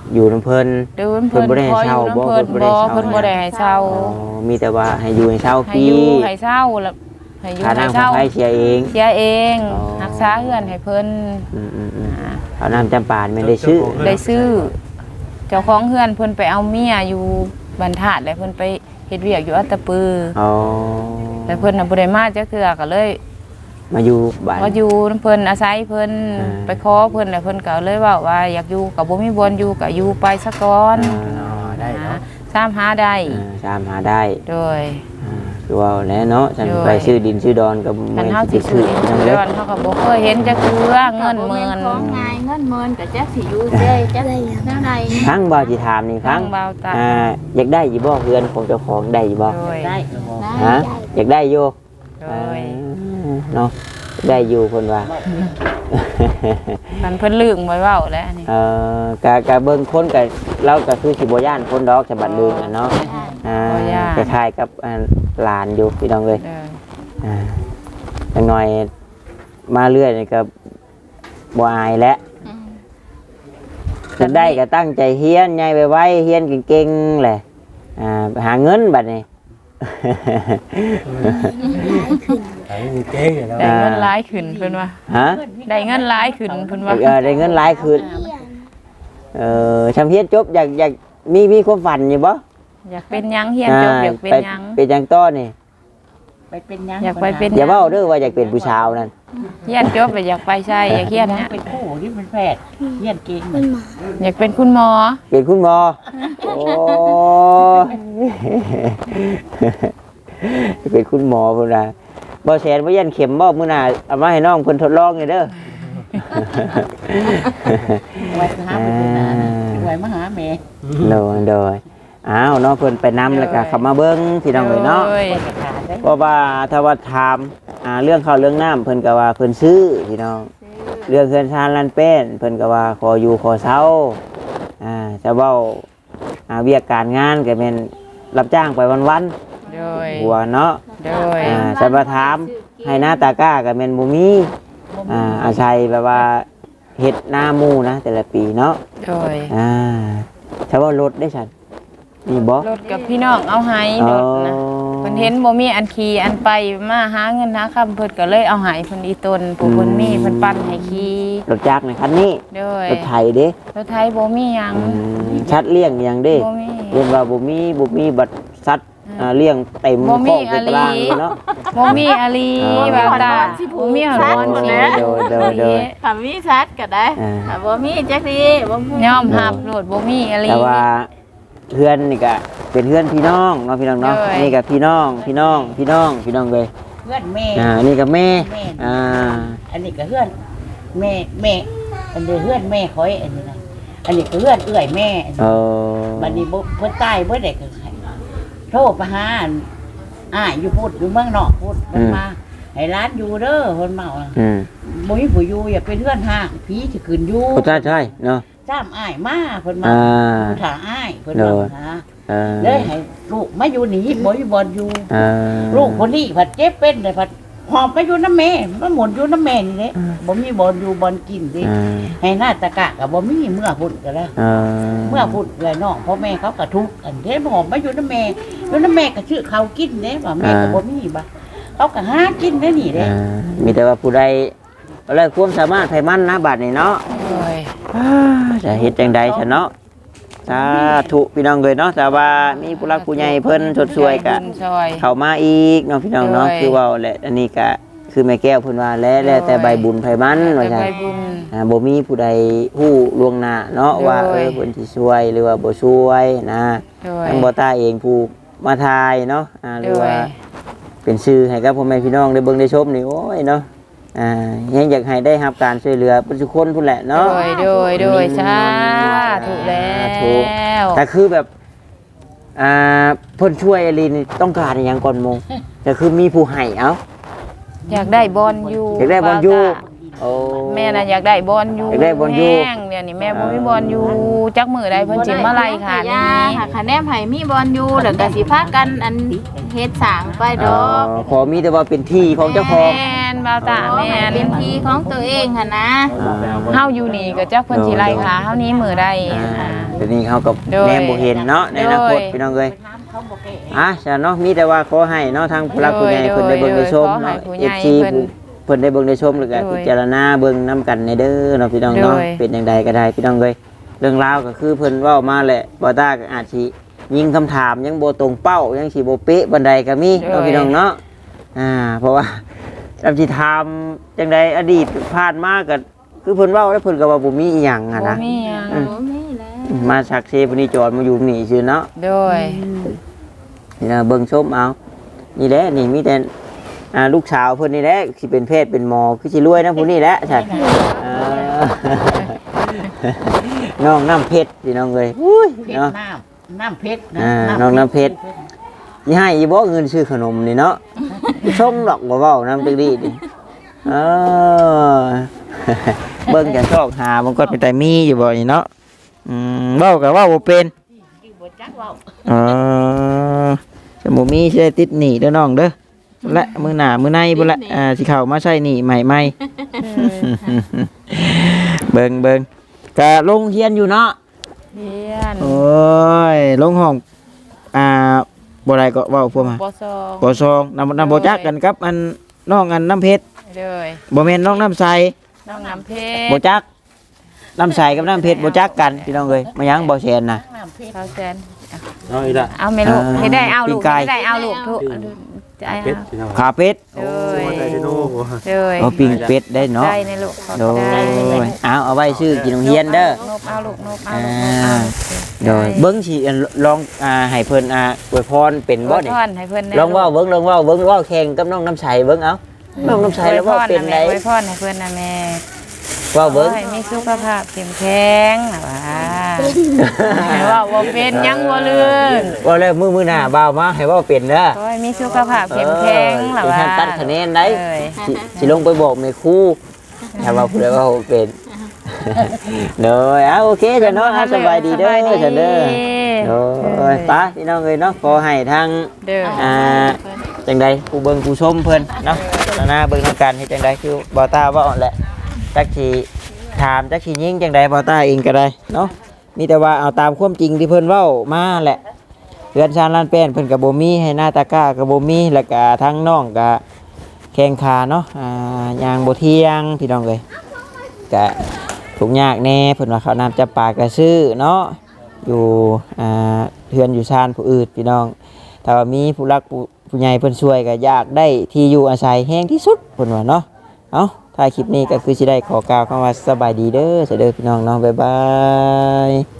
[SPEAKER 1] อยู่น้ำเพิ่น
[SPEAKER 2] เดินเพิ่น
[SPEAKER 1] เพิ่นบ่ได้ให้
[SPEAKER 2] พออ
[SPEAKER 1] เช่า
[SPEAKER 2] ยู่
[SPEAKER 1] บ่
[SPEAKER 2] น้ำเพิ่น
[SPEAKER 1] เพิ่นบ่
[SPEAKER 2] บ่
[SPEAKER 1] ได้เช่า
[SPEAKER 2] เพิ่นบ่ได้ให้เช่า
[SPEAKER 1] อ๋อมีแต่ว่าให้อยู่ให้เช่าฟ
[SPEAKER 2] ให้
[SPEAKER 1] รี
[SPEAKER 2] อยู่ให้เช่าแล้วให้อยู่
[SPEAKER 1] ค่า
[SPEAKER 2] ให้
[SPEAKER 1] น้ำค่า
[SPEAKER 2] เช่า
[SPEAKER 1] ไฟเสียเอง
[SPEAKER 2] เสียเอง
[SPEAKER 1] อ๋อ
[SPEAKER 2] รักษาเฮือนให้เพิ่น
[SPEAKER 1] อืมอืมอืมเอาน้ำจำปาไม่ได้ซื้อ
[SPEAKER 2] ได้ซื้อ เจ้าของเฮือนเพิ่นไปเอาเมียอยู่บรรทัดแล้วเพิ่นไปเฮ็ดเวียกอยู่อัตตปือ
[SPEAKER 1] อ๋อ
[SPEAKER 2] แต่เพิ่นน่ะบ่ได้มาจักเทื่อก็เลย
[SPEAKER 1] มาอยู่บ้าน
[SPEAKER 2] มาอยู่นำเพิ่นอาศัยเพิ่น
[SPEAKER 1] อ่า
[SPEAKER 2] ไปขอเพิ่นแล้วเพิ่นก็เลยเว้าว่าอยากอยู่ก็บ่มีบ่อนอยู่ก็อยู่ไปซะก่อน
[SPEAKER 1] อ่า
[SPEAKER 4] ได้เนาะ
[SPEAKER 2] สามหาได้
[SPEAKER 1] อ่าตามหาได้
[SPEAKER 2] โดย
[SPEAKER 1] อ่าคือว่าแล้วเนาะฉัน
[SPEAKER 2] โดย
[SPEAKER 1] ไปซื้อดินซื้อดอนกับ
[SPEAKER 2] คันเฮาสิซื้อดินซื้อดอนเฮาก็บ่เคยเห็นจักเทื่อเงินหมื่น
[SPEAKER 3] ของง่ายเงินหมื่นก็จักสิอยู่เด้จักแนวใด
[SPEAKER 1] ฟังบ่สิถามนี่ฟั
[SPEAKER 2] ฟั
[SPEAKER 1] ง
[SPEAKER 2] งเบาตา
[SPEAKER 1] อ่าอยากได้อยู่บ่เฮือนของเจ้าของได้อยู่บ่
[SPEAKER 2] โดย
[SPEAKER 5] ได้
[SPEAKER 1] ฮะอยากได้อยู่
[SPEAKER 2] โดย
[SPEAKER 1] อ่าเนาะได้อยู่เพิ่นว่า
[SPEAKER 2] มันเพิ่นลืมไว้เว้าแล้วอันนี้
[SPEAKER 1] เอ่อกะกะเบิ่งคนกะเราก็คือสิบ่ย่านคนดอกฉบับลืมอะเนาะอ่าคล้ายๆกับอ่าหลานอยู่พี่น้องเอ้ย
[SPEAKER 2] เด้อ
[SPEAKER 1] อ่าจังหน่อยมาเรื่อยนี่ก็บ่อายแล้วจะได้ก็ตั้งใจเฮียนใหญ่ไปไว้เฮียนเก่งๆแหละอ่าหาเงินบัดนี้
[SPEAKER 4] ไอ้นี่เก่งเนาะ
[SPEAKER 2] ได้เงินหลายขึ้นเพิ่นว่า
[SPEAKER 1] ฮะ
[SPEAKER 2] ได้เงินหลายขึ้นเพิ่นว่า
[SPEAKER 1] เออได้เงินหลายคืนเออชำเฮียนจบอยากอยากมีมีความฝันอยู่บ่
[SPEAKER 2] อยากเป็นหยังเฮียนจบอยากเป็นหยัง
[SPEAKER 1] ไปเป็นหยังต้อนี่
[SPEAKER 5] ไปเป็นยัง
[SPEAKER 2] อยากไปเป็น
[SPEAKER 1] อย่าเว้าเด้อว่าอยากเป็นผู้ชาวนั่น
[SPEAKER 2] เฮียนจบไปอยากไปใช่อยากเฮียนนะ
[SPEAKER 5] เป็นผู้ที่เป็นแพทย์เยี่ยนเก่ง
[SPEAKER 2] อยากเป็นคุณหมอ
[SPEAKER 1] เป็นคุณหมอโอ้ยเป็นคุณหมอพุ่นน่ะบ่แสนบ่ยันเข็มบ่มื้อหน้าเอามาให้น้องเพิ่นทดลองนี่เด้อ
[SPEAKER 5] ไว้หาไปเป็นนาไว้มาหาแม่
[SPEAKER 1] โดยโดยอ้าวเนาะเพิ่นไปนำแล้วก็เข้ามาเบิ่งพี่น้องเอ้ยเนาะ
[SPEAKER 2] โอ้ย
[SPEAKER 5] ขาดได้
[SPEAKER 1] เพราะว่าถ้าว่าถามอ่าเรื่องข้าวเรื่องน้ำเพิ่นก็ว่าเพิ่นซื้อพี่น้อง เรื่องเฮือนชานลันเป็นเพิ่นก็ว่าขออยู่ขอเช่าอ่าจะเว้าอ่าเวียกการงานก็แม่นรับจ้างไปวัน
[SPEAKER 2] โดย
[SPEAKER 1] ๆหัวเนาะ
[SPEAKER 2] โดย
[SPEAKER 1] อ่าจะมาถามให้หน้าตาก้าก็แม่นบ่มีอ่าอาศัยแบบว่าเฮ็ดหน้าหมู่นะแต่ละปีเนาะ
[SPEAKER 2] โดย
[SPEAKER 1] อ่าถ้าว่ารถได้ฉันนี่บ่
[SPEAKER 2] รถกับพี่น้องเอาให้รถนะเพิ่นเห็นบ่มีอันขี่อันไปมาหาเงินหาคำเพิ่นก็เลยเอาให้เพิ่นอีตนผู้เพิ่นมีเพิ่นปั่นให้ขี่
[SPEAKER 1] รถจักรในคันนี้
[SPEAKER 2] โดย
[SPEAKER 1] รถไถเด้
[SPEAKER 2] รถไทยบ่มีหยัง
[SPEAKER 1] อืมชัดเลี้ยงอย่างเด้
[SPEAKER 2] บ่มี
[SPEAKER 1] เรียนว่าบ่มีบ่มีบัตรสัตว์อ่าเลี้ยงเต็ม
[SPEAKER 2] บ่มี
[SPEAKER 1] ข้อเป็นตาราง
[SPEAKER 2] อะลี
[SPEAKER 1] เลยเนาะ
[SPEAKER 2] บ่มีอาลี
[SPEAKER 1] อ๋อ
[SPEAKER 2] บาตาบ่มีหอน
[SPEAKER 1] โด
[SPEAKER 2] สิ
[SPEAKER 1] ยโดยโดยโดย
[SPEAKER 3] ถ้ามีชัดก็ได้
[SPEAKER 1] อ่า
[SPEAKER 3] ถ้าบ่มีจักดีบ่มี
[SPEAKER 2] ยอมรับโลดบ่มีอาลี
[SPEAKER 1] แต่ว่าเพื่อนนี่ก็เป็นเพื่อนพี่น้องเนาะพี่น้องเนาะ
[SPEAKER 2] โดย
[SPEAKER 1] นี่ก็พี่น้องพี่น้องพี่น้องพี่น้องเลย
[SPEAKER 5] เพื่อนแม่
[SPEAKER 1] อ่านี่ก็แม่
[SPEAKER 5] แม่
[SPEAKER 1] อ่า
[SPEAKER 5] อันนี้ก็เพื่อนแม่แม่อันนี้เพื่อนแม่คอยอันนี้นะอันนี้ก็เพื่อนเอื้อยแม่
[SPEAKER 1] เออ
[SPEAKER 5] บัดนี้บ่เพิ่นตายเบ่ได้ก็ให้โทรไปหาอันอ้ายอยู่พูดอยู่เมืองนอกพูดเพิ่นมาให้ร้านอยู่เด้อเพิ่นเมา
[SPEAKER 1] อืม
[SPEAKER 5] บ่มีผู้อยู่อย่าเป็นเพื่อนห้างผีสิขึ้นอยู่
[SPEAKER 1] ก็ใช่ใช่เนาะ
[SPEAKER 5] จ้ามอ้ายมาเพิ่นมา
[SPEAKER 1] อ่า
[SPEAKER 5] ผู้ถาอ้ายเพิ่น
[SPEAKER 1] เด้
[SPEAKER 5] มา
[SPEAKER 1] อ
[SPEAKER 5] หา
[SPEAKER 1] เออ
[SPEAKER 5] เลยให้ลูกมาอยู่นี่บ่อยู่บ่อนอยู่
[SPEAKER 1] อ่า
[SPEAKER 5] ลูกคนนี้ผัดเจ็บเป็นเลยผัดหอบไปอยู่น้ำแม่มันหมุนอยู่น้ำแม่นี่แหละบ่มีบ่อนอยู่บ่อนกินสิ
[SPEAKER 1] อ่า
[SPEAKER 5] ให้หน้าตะกะก็บ่มีเมื่อพุ่นก็แล้ว
[SPEAKER 1] อ่า
[SPEAKER 5] เมื่อพุ่นเลยน้องพ่อแม่เขาก็ทุกข์อันเด้หอบมาอยู่น้ำแม่อยู่น้ำแม่ก็ชื่อเขาวกินเด้ว่าแม่ก็บ่มีบ่เขาก็หากินได้นี่เด้
[SPEAKER 1] อ่ามีแต่ว่าผู้ใดอะไรความสามารถไผมันนะบัดนี้เนาะ
[SPEAKER 2] โอ้ย
[SPEAKER 1] อ่าจะเฮ็ดจังใดซะเนาะสาธุพี่น้องเอ้ยเนาะแต่ว่ามีผู้รักผู้ใหญ่เพิ่นชดช่วยกะ
[SPEAKER 2] บุญช่วย
[SPEAKER 1] เข้ามาอีกเนาะพี่น้องเนาะ
[SPEAKER 2] โดย
[SPEAKER 1] คือเว่าแหละอันนี้ก็คือแม่แก้วเพิ่นว่าแล้วแล้วแต่ใบบุญไผมันว่า
[SPEAKER 2] แต่
[SPEAKER 1] ซั่น
[SPEAKER 2] ใบบุญ
[SPEAKER 1] อ่าบ่มีผู้ใดฮู้ล่วงหน้าเนาะ
[SPEAKER 2] โดย
[SPEAKER 1] ว่าเออเพิ่นสิช่วยหรือว่าบ่ช่วยนะ
[SPEAKER 2] โดย
[SPEAKER 1] ทางบ่ตาเองผู้มาทายเนาะอ่าหรือว่า
[SPEAKER 2] โดย
[SPEAKER 1] เป็นชื่อให้กับพ่อแม่พี่น้องได้เบิ่งได้ชมนี่โอ้ยเนาะอ่ายังอยากให้ได้รับการช่วยเหลือประชาชนพุ่นแหละ
[SPEAKER 2] โด
[SPEAKER 1] เนาะ
[SPEAKER 2] ยโดยโดยสาธุแล้
[SPEAKER 1] ถูก
[SPEAKER 2] ว
[SPEAKER 1] แต่คือแบบอ่าเพิ่นช่วยอลีนี่ต้องการอหย่างก่อนโมงแต่คือมีผู้ให้เอ้า
[SPEAKER 2] อยากได้บอลอยู่
[SPEAKER 1] อยากได้บอลอยู่
[SPEAKER 2] บ
[SPEAKER 1] โอ้
[SPEAKER 2] แม่น่ะอยากได้บอลอยู่
[SPEAKER 1] อยากได้บอลอยู่
[SPEAKER 2] แห้งเดี๋ยวนี้แม่บ่มีบอลอยู่จักมื้อใดเพิ่นสิมาไล่ค่ะ
[SPEAKER 3] ยา
[SPEAKER 2] นี่
[SPEAKER 3] ค่ะคะแนนไผมีบอลอยู่แล้วก็สิพากันอันเฮ็ดสร้างไปด
[SPEAKER 1] อ๋อ
[SPEAKER 3] อก
[SPEAKER 1] ขอมีแต่ว่าเป็นที่ของเจ้าของ
[SPEAKER 2] แม่นบ่าวตา
[SPEAKER 3] ขอ
[SPEAKER 2] แม่
[SPEAKER 3] ให้
[SPEAKER 2] น
[SPEAKER 3] เป็นที่ของตัวเองค่ะนะ
[SPEAKER 2] เฮาอยู่นี่ก็จักเพิ่นสิไล่ค่ะเฮานี้มื้อใด
[SPEAKER 1] อ่าเดี๋ยวนี้เขากับ
[SPEAKER 2] โดย
[SPEAKER 1] แนมบ่เห็นเนาะในอนาคต
[SPEAKER 2] โดย
[SPEAKER 1] พี่น้องเอ้ยอ่ะจ้ะเนาะมีแต่ว่าขอให้เนาะทางผู้รักผู้ใหญ่
[SPEAKER 2] โดย
[SPEAKER 1] เพิ่นได้เบิ่งได้ชม
[SPEAKER 2] ขอให้
[SPEAKER 1] เนาะ
[SPEAKER 2] ผู้ใหญ่
[SPEAKER 1] เอฟ ซี
[SPEAKER 2] เพิ่น
[SPEAKER 1] เพิ่นได้เบิ่งได้ชมแล้วก็
[SPEAKER 2] โดย
[SPEAKER 1] พิจารณาเบิ่งนํกันในเด้อเนาะพี่น้องเนาะ
[SPEAKER 2] โดย
[SPEAKER 1] เป็นจังใดก็ได้พี่น้องเอ้ยเรื่องราวก็คือเพิ่นเว้ามาแหละบ่ตาก็อาจสิยิงคำถามยังบ่ตรงเป้ายังสิบ่เป๊ะบันไดก็มีเนาะพี่น้องเนาะอ่าเพราะว่าจำสิถามจังใดอดีตผ่านมาก็คือเพิ่นเว้าแล้วเพิ่นก็ว่าบ่มีอีหยังอะ
[SPEAKER 2] บ่
[SPEAKER 1] นะ
[SPEAKER 2] มีหยัง
[SPEAKER 3] โอ้มีแล้ว
[SPEAKER 1] มาชักเซปนี่จอดมาอยู่นี่ซื่อเนาะ
[SPEAKER 2] โดย
[SPEAKER 1] นี่นะเบิ่งชมเอานี่แหละนี่มีแต่อ่าลูกสาวเพิ่นนี่แหละสิเป็นเพศเป็นหมอคือสิรวยนะผู้นี้แหละใช่เออ น้องน้ำเพชรพี่น้องเอ้ยอุ้ย
[SPEAKER 5] เพชร
[SPEAKER 1] เนาะ
[SPEAKER 5] น้ำน้ำเพชร
[SPEAKER 1] อ่าน้องน้ำเพชร สิให้อีบ่เงินซื้อขนมนี่เนาะชงดอกบ่เว้าน้ำจังดีดิเออ เบิ่งจะชอกหามันก็เป็นแต่มีอยู่บ่นี่เนาะอืมเว้าก็เว้าบ่เป็น
[SPEAKER 5] บ่จักเว้า
[SPEAKER 1] เออสมุมีใช่ติดหนีเด้อน้องเด้อและมือหนามือในบุนละอ่าสิเข้ามาใช่หนีใหม่ใหม่ เบิ่งเบิ่งกะลงเฮียนอยู่เนาะ
[SPEAKER 2] เฮียน
[SPEAKER 1] โอ้ยลงห้องอ่าบ่ได้ก็เว้าพวกมา
[SPEAKER 2] บ่ซอง
[SPEAKER 1] บ่ซองนำนำบ่จักกันกับอันน้องอันน้ำเพชร
[SPEAKER 2] เลย
[SPEAKER 1] บ่แม่นน้องน้ำใส
[SPEAKER 2] น้องน้ำเพ
[SPEAKER 1] บ่
[SPEAKER 2] ชร
[SPEAKER 1] จักน้ำใสกับน้ำเพชรบ่จักกันพี่น้องเอ้ยมายังบ่แซนน่ะ
[SPEAKER 5] น้ำเพชร
[SPEAKER 2] เขาแสน
[SPEAKER 4] เอาอีกละ
[SPEAKER 2] เอาไหม่ลูก
[SPEAKER 1] อ่า
[SPEAKER 2] ให้ได้เอาลูก
[SPEAKER 1] ปิ้งไก่
[SPEAKER 2] ให้ได้เอาลูกทุกใจ
[SPEAKER 4] เป็ด
[SPEAKER 2] เอา
[SPEAKER 4] พี่น้อง
[SPEAKER 1] ขาเป็ด
[SPEAKER 2] เลย
[SPEAKER 4] มาได้ที่โน่บ่
[SPEAKER 2] เลย
[SPEAKER 1] เอาปิ้งเป็ดได้เนาะ
[SPEAKER 2] ได้ในลูกขอบ
[SPEAKER 1] โด
[SPEAKER 2] ใจ
[SPEAKER 1] ยเอาเอาไว้ชื่อกินโรงเรียนเด้อ
[SPEAKER 2] นบเอาลูกนบเอา
[SPEAKER 1] อ่า
[SPEAKER 2] ลูกนบเอา
[SPEAKER 1] โดยเบิ้งสิอันลองอ่าให้เพิ่นอ่าอวยพรเป็นบ่นี่
[SPEAKER 2] อวยพรให้เพิ่นได้
[SPEAKER 1] ลองเว่าเบิ้งลองเว่าเบิ้งเว่าแข่งกับน้องน้ำใสเบิ้งเอาน้องน้ำใสแล้วเว่าเป็นได
[SPEAKER 2] อวยพรให้เพิ่นนะแม่
[SPEAKER 1] เว่าเบิ้ง
[SPEAKER 2] ขอให้มีสุขภาพเข้มแข็งนะว่าให้ว่าบ่เป็นหยังบ่ลื่น
[SPEAKER 1] เว่าแล้วมือมือหน้าบ่าวมาให้เว่าเป็นเด้อ
[SPEAKER 2] ขอให้มีสุขภาพเข้มแข็งล่ะ
[SPEAKER 1] เออ
[SPEAKER 2] ว่า
[SPEAKER 1] เป็นการตัดคะแนนได้
[SPEAKER 2] เอ้ย
[SPEAKER 1] สิสิลงไปบอกแม่ครูถ้าว่าผู้ใดว่าเว้าเป็นโดยเอาโอเคจ้ะเนาะอ่ะสบายดีเด้อจ้ะเด้อโดยไปพี่น้องเอ้ยเนาะขอให้ทาง
[SPEAKER 2] เด้อ
[SPEAKER 1] อ่าจังใดผู้เบิ่งผู้ชมเพิ่นเนาะแล้วหน้าเบิ่งนำกันเฮ็ดจังใดคือบ่ตาเว้าแหละจักสิถามจักสิยิงจังใดบ่ตาเองก็ได้เนาะมีแต่ว่าเอาตามความจริงที่เพิ่นเว้ามาแหละเรือนชานลานแป้นเพิ่นก็บ่มีให้หน้าตาก้าก็บ่มีแล้วก็ทั้งน้องก็แข้งขาเนาะอ่ายางบ่เที่ยงพี่น้องเอ้ยก็ทุกข์ยากแน่เพิ่นว่าข้าวน้ำจับปลาก็ซื้อเนาะอยู่อ่าเฮือนอยู่ชานผู้อื่นพี่น้อง ถ้าว่ามีผู้รักผู้ผู้ใหญ่เพิ่นช่วยก็อยากได้ที่อยู่อาศัยแห้งที่สุดเพิ่นว่าเนาะ เอ้าถ่ายคลิปนี้ก็คือสิได้ขอกล่าวคำว่าสบายดีเด้อเสยเด้อพี่น้องเนาะบ๊ายบาย